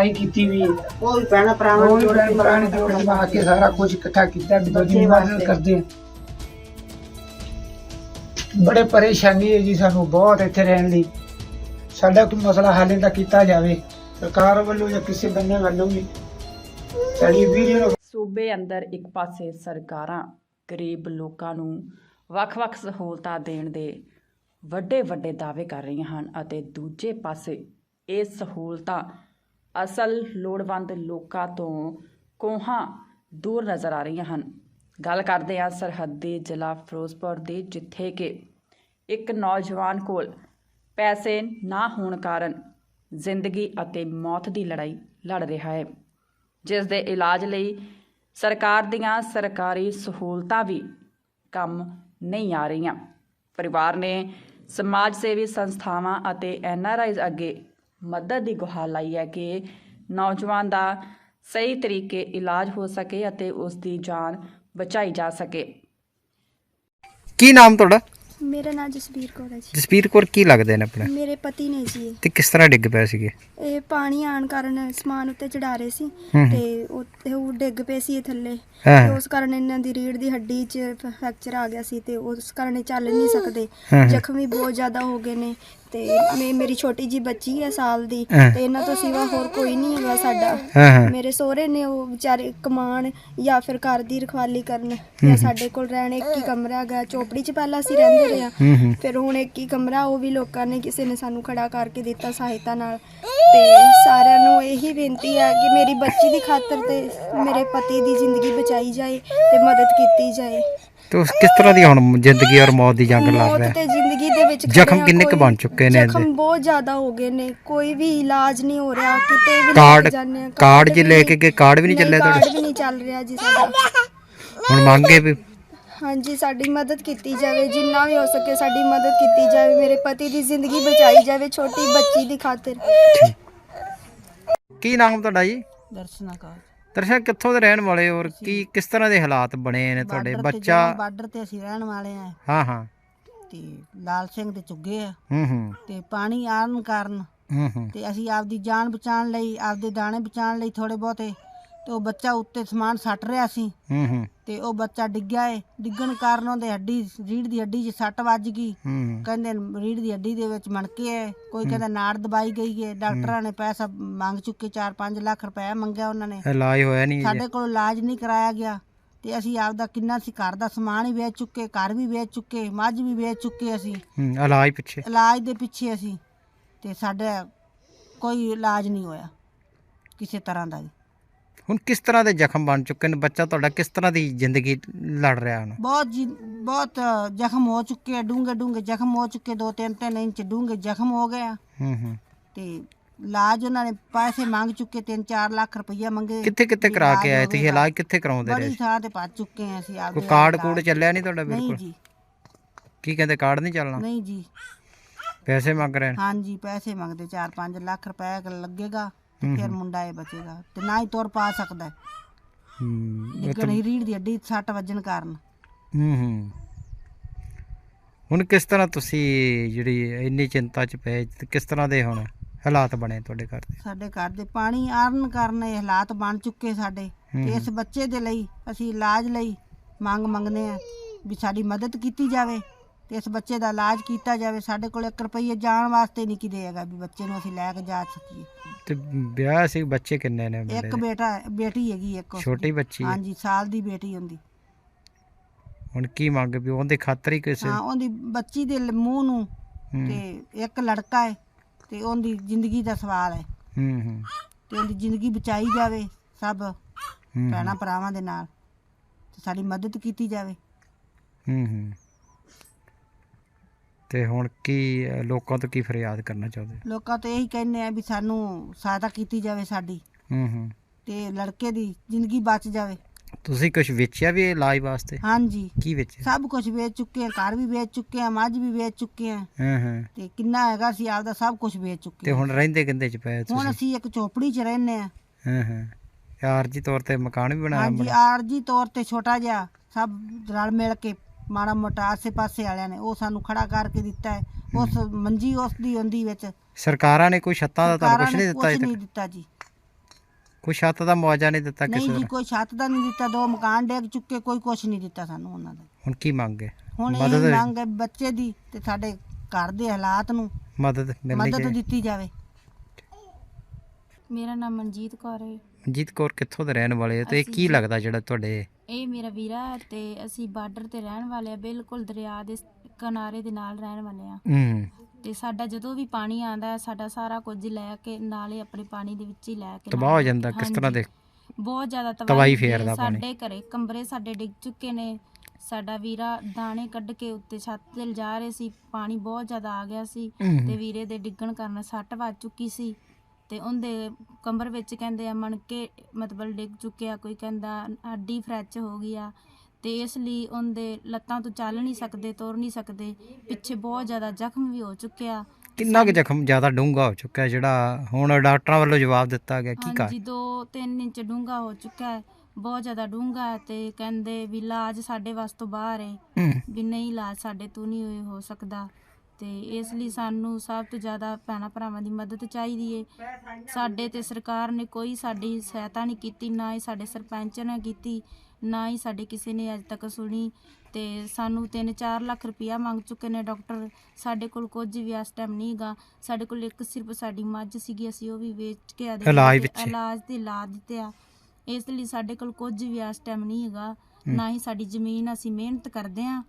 कमाई की हुई है। वो भी भैन भरावां वो भी भैन भरा ने जोड़ जमा के सारा कुछ इकट्ठा किया, दूजी मदद करते हैं। बड़े परेशानी है जी सानू बहुत इत्थे रहन लई। साडा कोई मसला हल इहदा कीता जावे सरकार ਵੱਲੋਂ ਜਾਂ ਕਿਸੇ ਬੰਨੇ ਵੱਲੋਂ ਵੀ। ਸਾਡੀ ਵੀਡੀਓ ਸੂਬੇ ਅੰਦਰ ਇੱਕ ਪਾਸੇ ਸਰਕਾਰਾਂ ਗਰੀਬ ਲੋਕਾਂ ਨੂੰ ਵੱਖ-ਵੱਖ ਸਹੂਲਤਾਂ ਦੇਣ ਦੇ ਵੱਡੇ ਦਾਅਵੇ ਕਰ ਰਹੀਆਂ ਹਨ ਅਤੇ ਦੂਜੇ ਪਾਸੇ ਇਹ ਸਹੂਲਤਾਂ ਅਸਲ ਲੋੜਵੰਦ ਲੋਕਾਂ ਤੋਂ ਕੋਹਾਂ ਦੂਰ ਨਜ਼ਰ ਆ ਰਹੀਆਂ ਹਨ। ਗੱਲ ਕਰਦੇ ਹਾਂ ਸਰਹੱਦੀ ਜ਼ਿਲ੍ਹਾ ਫਿਰੋਜ਼ਪੁਰ ਦੀ, ਜਿੱਥੇ ਕਿ ਇੱਕ ਨੌਜਵਾਨ ਕੋਲ ਪੈਸੇ ਨਾ ਹੋਣ ਕਾਰਨ ਜ਼ਿੰਦਗੀ ਅਤੇ ਮੌਤ ਦੀ ਲੜਾਈ ਲੜ ਰਿਹਾ ਹੈ, ਜਿਸ ਦੇ ਇਲਾਜ ਲਈ ਸਰਕਾਰ ਦੀਆਂ ਸਰਕਾਰੀ ਸਹੂਲਤਾਂ ਵੀ ਕੰਮ ਨਹੀਂ ਆ ਰਹੀਆਂ। ਪਰਿਵਾਰ ਨੇ ਸਮਾਜ ਸੇਵੀ ਸੰਸਥਾਵਾਂ ਅਤੇ NRIs ਅੱਗੇ ਮਦਦ ਦੀ ਗੁਹਾਰ ਲਾਈ ਹੈ ਕਿ ਨੌਜਵਾਨ ਦਾ ਸਹੀ ਤਰੀਕੇ ਇਲਾਜ ਹੋ ਸਕੇ ਅਤੇ ਉਸ ਦੀ ਜਾਨ ਬਚਾਈ ਜਾ ਸਕੇ। ਕੀ ਨਾਮ ਤੁਹਾਡਾ? ਮੇਰਾ ਨਾਮ ਜਸਬੀਰ ਕੌਰ ਹੈ ਜੀ। ਜਸਬੀਰ ਕੌਰ ਕੀ ਲੱਗਦੇ ਨੇ ਆਪਣੇ? ਮੇਰੇ ਪਤੀ ਨੇ ਜੀ। ਤੇ ਕਿਸ ਤਰ੍ਹਾਂ ਡਿੱਗ ਪਏ ਸੀਗੇ? ਇਹ ਪਾਣੀ ਆਣ ਕਾਰਨ ਸਮਾਨ ਉੱਤੇ ਚੜਾ ਰਹੇ ਸੀ ਤੇ ਉਹ ਡਿੱਗ ਪਏ ਸੀ ਥੱਲੇ ਤੇ ਉਸ ਕਾਰਨ ਇਹਨਾਂ ਦੀ ਰੀੜ ਦੀ ਹੱਡੀ 'ਚ ਫ੍ਰੈਕਚਰ ਆ ਗਿਆ ਸੀ ਤੇ ਉਸ ਕਾਰਨ ਇਹ ਚੱਲ ਨਹੀਂ ਸਕਦੇ। ਜ਼ਖਮ ਵੀ ਬਹੁਤ ਜ਼ਿਆਦਾ ਹੋ ਗਏ ਨੇ ਤੇ ਮੇਰੀ ਛੋਟੀ ਜੀ ਬੱਚੀ ਹੈ ਸਾਲ ਦੀ ਤੇ ਇਹਨਾਂ ਤੋਂ ਸਿਵਾ ਹੋਰ ਕੋਈ ਨਹੀਂ ਹੈਗਾ ਸਾਡਾ। ਮੇਰੇ ਸਹੁਰੇ ਨੇ ਉਹ ਵਿਚਾਰੇ ਕਮਾਣ ਜਾਂ ਫਿਰ ਘਰ ਦੀ ਰਖਵਾਲੀ ਕਰਨ ਜਾਂ ਸਾਡੇ ਕੋਲ ਰਹਿਣ। ਇੱਕ ਹੀ ਕਮਰਾ ਹੈਗਾ, ਚੋਪੜੀ 'ਚ ਪਹਿਲਾਂ ਅਸੀਂ ਰਹਿੰਦੇ ਰਹੇ ਹਾਂ, ਫਿਰ ਹੁਣ ਇੱਕ ਹੀ ਕਮਰਾ, ਉਹ ਵੀ ਲੋਕਾਂ ਨੇ ਕਿਸੇ ਨੇ ਸਾਨੂੰ ਖੜਾ ਕਰਕੇ ਦਿੱਤਾ ਸਹਾਇਤਾ ਨਾਲ। ਤੇ ਸਾਰਿਆਂ ਨੂੰ ਇਹੀ ਬੇਨਤੀ ਹੈ ਕਿ ਮੇਰੀ ਬੱਚੀ ਦੀ ਖਾਤਰ ਤੇ ਮੇਰੇ ਪਤੀ ਦੀ ਜ਼ਿੰਦਗੀ ਬਚਾਈ ਜਾਏ ਤੇ ਮਦਦ ਕੀਤੀ ਜਾਏ। ਤੇ ਕਿਸ ਤਰ੍ਹਾਂ ਦੀ ਹੁਣ ਜ਼ਿੰਦਗੀ ਔਰ ਮੌਤ ਦੀ ਜੰਗ ਲੜ ਰਿਹਾ? ਤੇ ਜ਼ਿੰਦਗੀ ਦੇ ਵਿੱਚ ਜ਼ਖਮ ਕਿੰਨੇ ਕੁ ਬਣ ਚੁੱਕੇ ਨੇ? ਜ਼ਖਮ ਬਹੁਤ ਜ਼ਿਆਦਾ ਹੋ ਗਏ ਨੇ, ਕੋਈ ਵੀ ਇਲਾਜ ਨਹੀਂ ਹੋ ਰਿਹਾ। ਕਿਤੇ ਵੀ ਕਾਰਡ ਜੇ ਲੈ ਕੇ ਗਏ, ਕਾਰਡ ਵੀ ਨਹੀਂ ਚੱਲਿਆ ਤੁਹਾਡਾ? ਕਾਰਡ ਵੀ ਨਹੀਂ ਚੱਲ ਰਿਹਾ ਜੀ ਸਾਡਾ। ਹੁਣ ਮੰਗੇ ਵੀ ਹਾਂਜੀ ਸਾਡੀ ਮਦਦ ਕੀਤੀ ਜਾਵੇ, ਜਿੰਨਾ ਵੀ ਹੋ ਸਕੇ ਸਾਡੀ ਮਦਦ ਕੀਤੀ ਜਾਵੇ, ਮੇਰੇ ਪਤੀ ਦੀ ਜ਼ਿੰਦਗੀ ਬਚਾਈ ਜਾਵੇ ਛੋਟੀ ਬੱਚੀ ਦੀ ਖਾਤਰ। ਕੀ ਨਾਮ ਤੁਹਾਡਾ ਜੀ? ਦਰਸ਼ਨਾ ਕੌਰ। ਦਰਸ਼ਨ ਕਿੱਥੋਂ ਦੇ ਰਹਿਣ ਵਾਲੇ ਔਰ ਕੀ ਕਿਸ ਤਰ੍ਹਾਂ ਦੇ ਹਾਲਾਤ ਬਣੇ ਨੇ ਤੁਹਾਡੇ? ਬੱਚਾ ਬਾਰਡਰ ਤੇ ਅਸੀਂ ਰਹਿਣ ਵਾਲੇ ਆ। ਹਾਂ ਤੇ ਲਾਲ ਸਿੰਘ ਦੇ ਚੁੱਗੇ ਆ ਤੇ ਪਾਣੀ ਆਉਣ ਕਾਰਨ ਤੇ ਅਸੀਂ ਆਪਦੀ ਜਾਨ ਬਚਾਉਣ ਲਈ, ਆਪਦੇ ਦਾਣੇ ਬਚਾਉਣ ਲਈ ਥੋੜੇ ਬਹੁਤੇ, ਤੇ ਉਹ ਬੱਚਾ ਉੱਤੇ ਸਮਾਨ ਸੱਟ ਰਿਹਾ ਸੀ ਤੇ ਉਹ ਬੱਚਾ ਡਿੱਗਿਆ ਏ। ਡਿੱਗਣ ਕਾਰਨ ਉਹਦੇ ਰੀੜ ਦੀ ਹੱਡੀ 'ਚ ਸੱਟ ਵੱਜ ਗਈ। ਕਹਿੰਦੇ ਰੀੜ ਦੀ ਹੱਡੀ ਦੇ ਵਿੱਚ ਮਣਕੇ ਹੈ, ਕੋਈ ਕਹਿੰਦਾ ਨਾੜ ਦਬਾਈ ਗਈ ਹੈ। ਡਾਕਟਰਾਂ ਨੇ ਪੈਸਾ ਮੰਗ ਚੁੱਕੇ, 4-5 ਲੱਖ ਰੁਪਏ ਮੰਗਿਆ ਉਹਨਾਂ ਨੇ। ਇਲਾਜ ਹੋਇਆ ਨਹੀਂ, ਸਾਡੇ ਕੋਲ ਇਲਾਜ ਨਹੀਂ ਕਰਾਇਆ ਗਿਆ ਤੇ ਅਸੀਂ ਆਪਦਾ ਕਿੰਨਾ ਸੀ ਘਰ ਦਾ ਸਮਾਨ ਹੀ ਵੇਚ ਚੁੱਕੇ, ਘਰ ਵੀ ਵੇਚ ਚੁੱਕੇ, ਮੱਝ ਵੀ ਵੇਚ ਚੁੱਕੇ ਅਸੀਂ ਇਲਾਜ ਦੇ ਪਿੱਛੇ ਅਸੀਂ। ਤੇ ਸਾਡਾ ਕੋਈ ਇਲਾਜ ਨਹੀਂ ਹੋਇਆ ਕਿਸੇ ਤਰ੍ਹਾਂ ਦਾ ਵੀ। ਹੁਣ ਕਿਸ ਤਰ੍ਹਾਂ ਦੇ ਜ਼ਖਮ ਬਣ ਚੁੱਕੇ ਨੇ? ਬੱਚਾ ਤੁਹਾਡਾ ਕਿਸ ਤਰ੍ਹਾਂ ਦੀ ਜ਼ਿੰਦਗੀ ਲੜ ਰਿਹਾ ਹੁਣ? ਬਹੁਤ ਜ਼ਖਮ ਹੋ ਚੁੱਕੇ, ਡੂੰਘੇ ਜ਼ਖਮ ਹੋ ਚੁੱਕੇ, 2-3 ਇੰਚ ਡੂੰਘੇ ਜ਼ਖਮ ਹੋ ਗਏ ਆ। ਤੇ ਇਲਾਜ ਉਹਨਾਂ ਨੇ ਪੈਸੇ ਮੰਗ ਚੁੱਕੇ, 3-4 ਲੱਖ ਰੁਪਈਆ ਮੰਗੇ। ਕਿੱਥੇ ਕਰਾ ਕੇ ਆਏ ਤੁਸੀਂ? ਇਲਾਜ ਕਿੱਥੇ ਕਰਾਉਂਦੇ ਰਹੇ? ਬੜੀ ਥਾਂ ਤੇ ਭੱਜ ਚੁੱਕੇ ਆ ਅਸੀਂ। ਕੋਈ ਕਾਰਡ ਕੂਡ ਚੱਲਿਆ ਨਹੀਂ ਤੁਹਾਡਾ? ਨਹੀਂ ਬਿਲਕੁਲ ਜੀ। ਕੀ ਕਹਿੰਦੇ ਕਾਰਡ ਨਹੀਂ ਚੱਲਣਾ? ਨਹੀਂ ਜੀ। ਪੈਸੇ ਮੰਗ ਰਹੇ ਨੇ? ਹਾਂਜੀ ਪੈਸੇ ਮੰਗਦੇ, 4-5 ਲੱਖ ਰੁਪਏ ਲੱਗੇਗਾ ਤੇ ਫਿਰ ਮੁੰਡਾ ਇਹ ਬਚੇਗਾ ਤੇ ਨਾ ਹੀ ਤੁਰ ਪਾ ਸਕਦਾ। ਡਿੱਗਣ ਹੀ ਰੀੜ ਦੀ ਹੱਡੀ ਸੱਟ ਵੱਜਣ ਕਾਰਨ। ਹੁਣ ਕਿਸ ਤਰ੍ਹਾਂ ਤੁਸੀਂ ਜਿਹੜੀ ਇੰਨੀ ਚਿੰਤਾ 'ਚ ਪਏ, ਕਿਸ ਤਰ੍ਹਾਂ ਦੇ ਹੁਣ ਹਾਲਾਤ ਬਣੇ ਤੁਹਾਡੇ ਘਰ ਦੇ? ਸਾਡੇ ਘਰ ਦੇ ਪਾਣੀ ਆਰਨ ਕਾਰਨ ਇਹ ਹਾਲਾਤ ਬਣ ਚੁੱਕੇ ਸਾਡੇ। ਤੇ ਇਸ ਬੱਚੇ ਦੇ ਲਈ ਅਸੀਂ ਇਲਾਜ ਲਈ ਮੰਗਦੇ ਆ ਵੀ ਸਾਡੀ ਮਦਦ ਕੀਤੀ ਜਾਵੇ ਤੇ ਇਸ ਬੱਚੇ ਦਾ ਇਲਾਜ ਕੀਤਾ ਜਾਵੇ। ਸਾਡੇ ਕੋਲ 1 ਰੁਪਈਆ ਜਾਣ ਵਾਸਤੇ ਨਹੀਂ ਕਿਤੇ ਹੈਗਾ ਵੀ ਬੱਚੇ ਨੂੰ ਅਸੀਂ ਲੈ ਕੇ ਜਾ ਸਕੀਏ। ਤੇ ਵਿਆਹ ਸੀ? ਬੱਚੇ ਕਿੰਨੇ ਨੇ? ਇੱਕ ਬੇਟੀ ਹੈਗੀ, ਇੱਕ ਛੋਟੀ ਬੱਚੀ? ਹਾਂਜੀ ਸਾਲ ਦੀ ਬੇਟੀ ਹੁੰਦੀ। ਹੁਣ ਕੀ ਮੰਗ ਵੀ ਉਹਦੇ ਖਾਤਰ ਹੀ ਕਿਸੇ? ਹਾਂ ਉਹਦੀ ਬੱਚੀ ਦੇ ਮੂੰਹ ਨੂੰ ਤੇ ਇੱਕ ਲੜਕਾ ਹੈ ਤੇ ਉਹਦੀ ਜ਼ਿੰਦਗੀ ਦਾ ਸਵਾਲ ਹੈ ਤੇ ਉਹਦੀ ਜ਼ਿੰਦਗੀ ਬਚਾਈ ਜਾਵੇ ਸਭ ਭੈਣਾਂ ਭਰਾਵਾਂ ਦੇ ਨਾਲ ਤੇ ਸਾਡੀ ਮਦਦ ਕੀਤੀ ਜਾਵੇ। ਤੇ ਹੁਣ ਕੀ ਲੋਕਾਂ ਤੋਂ ਕੀ ਫਰਿਆਦ ਕਰਨਾ ਚਾਹੁੰਦੇ? ਲੋਕਾਂ ਤੋਂ ਇਹੀ ਕਹਿੰਦੇ ਆ ਵੀ ਸਾਨੂੰ ਸਹਾਇਤਾ ਕੀਤੀ ਜਾਵੇ ਸਾਡੀ ਤੇ ਲੜਕੇ ਦੀ ਜ਼ਿੰਦਗੀ ਬਚ ਜਾਵੇ। ਤੁਸੀਂ ਕੁਝ ਵੇਚਿਆ ਵੀ ਇਲਾਜ ਵਾਸਤੇ? ਹਾਂਜੀ। ਕੀ ਵੇਚਿਆ? ਸਭ ਕੁਝ ਵੇਚ ਚੁੱਕੇ ਆ, ਘਰ ਵੀ ਵੇਚ ਚੁੱਕੇ ਆ, ਮੱਝ ਵੀ ਵੇਚ ਚੁੱਕੇ ਆ ਤੇ ਕਿੰਨਾ ਹੈਗਾ ਸੀ ਆਪਦਾ ਸਭ ਕੁਝ ਵੇਚ ਚੁੱਕੇ। ਤੇ ਹੁਣ ਰਹਿੰਦੇ ਕਿੰਦੇ 'ਚ ਪਏ ਤੁਸੀਂ? ਹੁਣ ਅਸੀਂ ਇੱਕ ਝੋਪੜੀ 'ਚ ਰਹਿੰਦੇ ਆ। ਆਰਜੀ ਤੌਰ ਤੇ ਮਕਾਨ ਵੀ ਬਣਾਇਆ? ਹਾਂਜੀ ਆਰਜੀ ਤੌਰ ਤੇ ਛੋਟਾ ਜਿਹਾ, ਸਭ ਰਲ ਮਿਲ ਕੇ ਮਾੜਾ ਮੋਟਾ ਆਸੇ ਪਾਸੇ ਵਾਲਿਆਂ ਨੇ ਉਹ ਸਾਨੂੰ ਖੜਾ ਕਰਕੇ ਦਿੱਤਾ ਹੈ। ਉਸ ਮੰਜੀ ਉਸ ਦੀ ਹੁੰਦੀ ਵਿੱਚ ਸਰਕਾਰਾਂ ਨੇ ਕੋਈ ਛੱਤਾਂ ਦਾ ਤੁਹਾਨੂੰ ਕੁਝ ਨਹੀਂ ਦਿੱਤਾ? ਨਹੀਂ ਦਿੱਤਾ ਜੀ। ਕੋਈ ਛੱਤ ਦਾ ਮੁਆਵਜ਼ਾ ਨਹੀਂ ਦਿੱਤਾ ਨਹੀਂ ਕਿਸੇ ਜੀ ਦਾ? ਕੋਈ ਛੱਤ ਦਾ ਨਹੀਂ ਦਿੱਤਾ, 2 ਮਕਾਨ ਡਿੱਗ ਚੁੱਕੇ, ਕੋਈ ਕੁਛ ਨਹੀਂ ਦਿੱਤਾ ਸਾਨੂੰ ਉਹਨਾਂ ਦਾ। ਹੁਣ ਕੀ ਮੰਗ ਹੈ? ਹੁਣ ਇਹ ਮਦਦ ਮੰਗ ਹੈ ਬੱਚੇ ਦੀ ਤੇ ਸਾਡੇ ਘਰ ਦੇ ਹਾਲਾਤ ਨੂੰ ਮਦਦ ਮਿਲਣੀ ਮਦਦ ਚਾਹੀਦੀ। ਦਿੱਤੀ ਜਾਵੇ। ਮੇਰਾ ਨਾਮ ਮਨਜੀਤ ਕੌਰ ਹੈ। ਮਨਜੀਤ ਕੌਰ ਕਿੱਥੋਂ ਦੇ ਰਹਿਣ ਵਾਲੇ ਹੋ ਤੇ ਅਸੀਂ ਕੀ ਜੀ- ਲੱਗਦਾ ਜਿਹੜਾ ਤੁਹਾਡੇ? ਇਹ ਮੇਰਾ ਵੀਰਾ ਹੈ ਤੇ ਅਸੀਂ ਬਾਰਡਰ ਤੇ ਰਹਿਣ ਵਾਲੇ ਆ, ਬਿਲਕੁਲ ਦਰਿਆ ਦੇ ਕਿਨਾਰੇ ਦੇ ਨਾਲ ਰਹਿਣ ਵਾਲੇ ਆ। ਤੇ ਸਾਡਾ ਜਦੋਂ ਵੀ ਪਾਣੀ ਆਂਦਾ ਹੈ, ਸਾਡਾ ਸਾਰਾ ਕੁਝ ਲੈ ਕੇ ਨਾਲੇ ਆਪਣੇ ਪਾਣੀ ਦੇ ਵਿੱਚ ਹੀ ਲੈ ਕੇ ਤਬਾਹ ਹੋ ਜਾਂਦਾ ਕਿਸ ਤਰ੍ਹਾਂ ਦੇ? ਬਹੁਤ ਜ਼ਿਆਦਾ ਤਬਾਹੀ ਹੁੰਦੀ ਹੈ। ਫੇਰਦਾ ਪਾਣੀ। ਸਾਡੇ ਘਰੇ ਕਮਰੇ ਸਾਡੇ ਡਿੱਗ ਚੁੱਕੇ ਨੇ। ਸਾਡਾ ਵੀਰਾ ਦਾਣੇ ਕੱਢ ਕੇ ਉੱਤੇ ਛੱਤ ਤੇ ਲਿਜਾ ਰਹੇ ਸੀ, ਪਾਣੀ ਬਹੁਤ ਜ਼ਿਆਦਾ ਆ ਗਿਆ ਸੀ ਤੇ ਵੀਰੇ ਦੇ ਡਿੱਗਣ ਕਾਰਨ ਸੱਟ ਵੱਜ ਚੁੱਕੀ ਸੀ ਤੇ ਉਹਦੇ ਕਮਰ ਵਿੱਚ ਕਹਿੰਦੇ ਆ ਮਣਕੇ ਮਤਲਬ ਡਿੱਗ ਚੁੱਕਿਆ, ਕੋਈ ਕਹਿੰਦਾ ਹੱਡੀ ਫ੍ਰੈਕਚਰ ਹੋ ਗਈ ਆ ਤੇ ਇਸ ਲਈ ਉਹਦੇ ਲੱਤਾਂ ਤੋਂ ਚੱਲ ਨਹੀਂ ਸਕਦੇ, ਤੁਰ ਨਹੀਂ ਸਕਦੇ, ਪਿੱਛੇ ਬਹੁਤ ਜ਼ਿਆਦਾ ਜ਼ਖਮ ਵੀ ਹੋ ਚੁੱਕਿਆ। ਕਿੰਨਾ ਕੁ ਜ਼ਖਮ ਜ਼ਿਆਦਾ ਡੂੰਘਾ ਹੋ ਚੁੱਕਾ ਹੈ ਜਿਹੜਾ ਹੁਣ ਡਾਕਟਰਾਂ ਵੱਲੋਂ ਜਵਾਬ ਦਿੱਤਾ ਗਿਆ? ਕੀ ਹਾਂਜੀ 2-3 ਇੰਚ ਡੂੰਘਾ ਹੋ ਚੁੱਕਾ ਹੈ, ਬਹੁਤ ਜ਼ਿਆਦਾ ਡੂੰਘਾ ਹੈ ਤੇ ਕਹਿੰਦੇ ਵੀ ਇਲਾਜ ਸਾਡੇ ਵੱਸ ਤੋਂ ਬਾਹਰ ਹੈ, ਵੀ ਨਹੀਂ ਇਲਾਜ ਸਾਡੇ ਤੋਂ ਨਹੀਂ ਹੋ ਸਕਦਾ। ਤੇ ਇਸ ਲਈ ਸਾਨੂੰ ਸਭ ਤੋਂ ਜ਼ਿਆਦਾ ਭੈਣਾਂ ਭਰਾਵਾਂ ਦੀ ਮਦਦ ਚਾਹੀਦੀ ਹੈ। ਸਾਡੇ ਤੇ ਸਰਕਾਰ ਨੇ ਕੋਈ ਸਾਡੀ ਸਹਾਇਤਾ ਨਹੀਂ ਕੀਤੀ, ਨਾ ਹੀ ਸਾਡੇ ਸਰਪੰਚ ਨੇ ਕੀਤੀ, ਨਾ ਹੀ ਸਾਡੇ ਕਿਸੇ ਨੇ ਅੱਜ ਤੱਕ ਸੁਣੀ। ਤੇ ਸਾਨੂੰ 3-4 ਲੱਖ ਰੁਪਇਆ ਮੰਗ ਚੁੱਕੇ ਨੇ ਡਾਕਟਰ। ਸਾਡੇ ਕੋਲ ਕੁਝ ਵੀ ਇਸ ਟਾਈਮ ਨਹੀਂ ਗਾ। ਸਾਡੇ ਕੋਲ ਇੱਕ ਸਿਰਫ ਸਾਡੀ ਮੱਝ ਸੀਗੀ, ਅਸੀਂ ਉਹ ਵੀ ਵੇਚ ਕੇ ਇਲਾਜ ਤੇ ਲਾ ਦਿੱਤੇ ਆ। ਇਸ ਲਈ ਸਾਡੇ ਕੋਲ ਕੁਝ ਵੀ ਇਸ ਟਾਈਮ ਨਹੀਂ ਹੈਗਾ, ਨਾ ਹੀ ਸਾਡੀ ਜ਼ਮੀਨ। ਅਸੀਂ ਮਿਹਨਤ ਕਰਦੇ ਆ,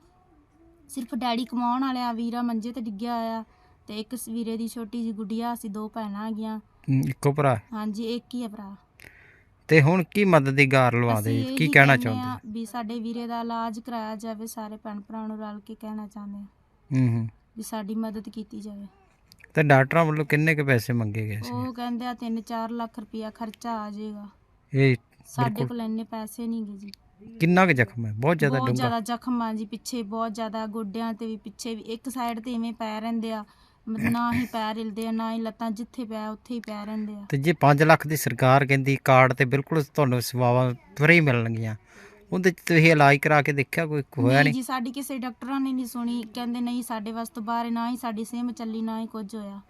ਸਿਰਫ ਡੈਡੀ ਕਮਾਉਣ ਵਾਲੇ ਆ, ਵੀਰਾ ਮੰਜੇ ਤੇ ਡਿੱਗਿਆ ਹੋਇਆ ਤੇ ਇੱਕ ਵੀਰੇ ਦੀ ਛੋਟੀ ਜਿਹੀ ਗੁੱਡੀਆ, ਅਸੀਂ 2 ਭੈਣਾਂ ਹੈਗੀਆਂ। ਇੱਕੋ ਭਰਾ? ਹਾਂਜੀ ਇੱਕ ਹੀ ਆ ਭਰਾ। ਤੇ ਹੁਣ ਕੀ ਮਦਦ ਦੀ ਗਾਰ ਲਵਾਦੇ, ਅਸੀਂ ਕੀ ਇਹੀ ਕਹਿਣਾ ਕਹਿੰਦੇ ਚਾਹੁੰਦੇ? ਆ ਵੀ ਸਾਡੇ ਵੀਰੇ ਦਾ ਇਲਾਜ ਕਰਾਇਆ ਜਾਵੇ, ਸਾਰੇ ਭੈਣ ਭਰਾਵਾਂ ਨੂੰ ਰਲ ਕੇ ਕਹਿਣਾ ਚਾਹੁੰਦੇ ਆ ਵੀ ਸਾਡੀ ਮਦਦ ਕੀਤੀ ਜਾਵੇ। ਤੇ ਡਾਕਟਰਾਂ ਵੱਲੋਂ ਕਿੰਨੇ ਕੁ ਪੈਸੇ ਮੰਗੇ ਗਏ ਸੀ? ਉਹ ਕਹਿੰਦੇ ਆ 3-4 ਲੱਖ ਰੁਪਇਆ ਖਰਚਾ ਆ ਜਾਏਗਾ। ਇਹ ਸਾਡੇ ਕੋਲ ਇੰਨੇ ਪੈਸੇ ਨਹੀਂ ਗੇ ਜੀ। ਕਿੰਨਾ ਕੁ ਜ਼ਖਮ ਹੈ? ਬਹੁਤ ਜ਼ਿਆਦਾ ਬਹੁਤ ਡੂੰਘਾ? ਜ਼ਿਆਦਾ ਜ਼ਖਮ ਆ ਜੀ, ਪਿੱਛੇ ਬਹੁਤ ਜ਼ਿਆਦਾ, ਗੋਡਿਆਂ ਤੇ ਵੀ, ਪਿੱਛੇ ਵੀ, ਇੱਕ ਸਾਈਡ ਤੇ ਇਵੇਂ ਪੈ ਰਹਿੰਦੇ ਆ, ਨਾ ਹੀ ਪੈਰ ਹਿਲਦੇ ਆ, ਨਾ ਹੀ ਲੱਤਾਂ, ਜਿੱਥੇ ਪਿਆ ਉੱਥੇ ਹੀ ਪੈ ਰਹਿੰਦੇ ਆ। ਤੇ ਜੇ 5 ਲੱਖ ਦੀ ਸਰਕਾਰ ਕਹਿੰਦੀ ਕਾਰਡ ਤੇ ਬਿਲਕੁਲ ਤੁਹਾਨੂੰ ਸੇਵਾਵਾਂ ਫਰੀ ਮਿਲਣਗੀਆਂ, ਉਹਦੇ 'ਚ ਤੁਸੀਂ ਇਲਾਜ ਕਰਾ ਕੇ ਦੇਖਿਆ? ਕੋਈ ਹੋਇਆ ਨਹੀਂ ਜੀ, ਸਾਡੀ ਕਿਸੇ ਡਾਕਟਰਾਂ ਨੇ ਨਹੀਂ ਸੁਣੀ, ਕਹਿੰਦੇ ਨਹੀਂ ਸਾਡੇ ਵਾਸ ਤੋਂ ਬਾਹਰ, ਨਾ ਹੀ ਸਾਡੀ ਸਿਮ ਚੱਲੀ, ਨਾ ਹੀ ਕੁਝ ਹੋਇਆ।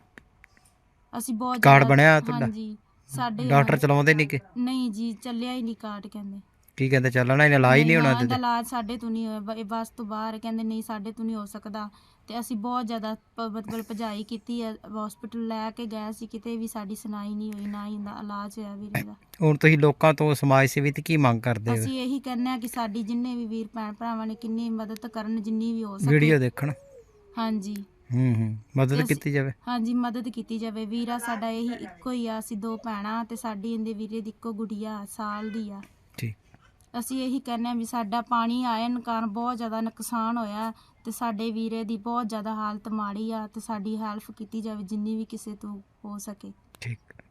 ਅਸੀਂ ਬਹੁਤ ਕਾਰਡ ਬਣਿਆ ਤੁਹਾਡਾ? ਹਾਂਜੀ ਸਾਡੇ ਡਾਕਟਰ ਚਲਾਉਂਦੇ ਨਹੀਂ ਕਿ? ਨਹੀਂ ਜੀ, ਚੱਲਿਆ ਹੀ ਨਹੀਂ ਕਾਰਡ। ਕਹਿੰਦੇ ਕੀ ਕਹਿੰਦੇ ਚੱਲਣਾ ਹੀ ਇਲਾਜ ਨਹੀਂ ਹੋਣਾ? ਇਹਦਾ ਇਲਾਜ ਸਾਡੇ ਤੋਂ ਨਹੀਂ ਹੋਇਆ, ਇਹ ਬਸ ਤੋਂ ਬਾਹਰ। ਕਹਿੰਦੇ ਨਹੀਂ ਸਾਡੇ ਤੋਂ ਨਹੀਂ ਹੋ ਸਕਦਾ। ਤੇ ਅਸੀਂ ਬਹੁਤ ਜ਼ਿਆਦਾ ਮਤਲਬ ਭਜਾਈ ਕੀਤੀ ਹੈ, ਹਸਪੀਟਲ ਲੈ ਕੇ ਗਏ ਸੀ, ਕਿਤੇ ਵੀ ਸਾਡੀ ਸੁਣਾਈ ਨਹੀਂ ਹੋਈ, ਨਾ ਹੀ ਇਹਦਾ ਇਲਾਜ ਹੋਇਆ ਵੀਰੇ ਦਾ। ਹੁਣ ਤੁਸੀਂ ਲੋਕਾਂ ਤੋਂ, ਸਮਾਜ ਸੇਵੀ ਤੇ ਕੀ ਮੰਗ ਕਰਦੇ ਹੋ? ਅਸੀਂ ਇਹੀ ਕਹਿੰਦੇ ਆ ਕਿ ਸਾਡੀ ਜਿੰਨੇ ਵੀ ਵੀਰ ਭੈਣ ਭਰਾਵਾਂ ਨੇ ਕਿੰਨੀ ਮਦਦ ਕਰਨ, ਜਿੰਨੀ ਵੀ ਹੋ ਸਕੇ। ਵੀਡੀਓ ਦੇਖਣ? ਹਾਂਜੀ ਮਦਦ ਕੀਤੀ ਜਾਵੇ। ਹਾਂਜੀ ਮਦਦ ਕੀਤੀ ਜਾਵੇ। ਵੀਰਾ ਸਾਡਾ ਇਹੀ ਇੱਕੋ ਹੀ ਆ, ਅਸੀਂ 2 ਭੈਣਾਂ ਤੇ ਸਾਡੀ ਇਹਦੇ ਵੀਰੇ ਦੀ ਇੱਕੋ ਗੁੜੀਆ ਸਾਲ ਦੀ ਆ। ਠੀਕ। ਅਸੀਂ ਇਹੀ ਕਹਿੰਦੇ ਆ ਵੀ ਸਾਡਾ ਪਾਣੀ ਆਇਨ ਕਾਰਨ ਬਹੁਤ ਜ਼ਿਆਦਾ ਨੁਕਸਾਨ ਹੋਇਆ ਤੇ ਸਾਡੇ ਵੀਰੇ ਦੀ ਬਹੁਤ ਜ਼ਿਆਦਾ ਹਾਲਤ ਮਾੜੀ ਆ ਤੇ ਸਾਡੀ ਹੈਲਪ ਕੀਤੀ ਜਾਵੇ ਜਿੰਨੀ ਵੀ ਕਿਸੇ ਤੋਂ ਹੋ ਸਕੇ।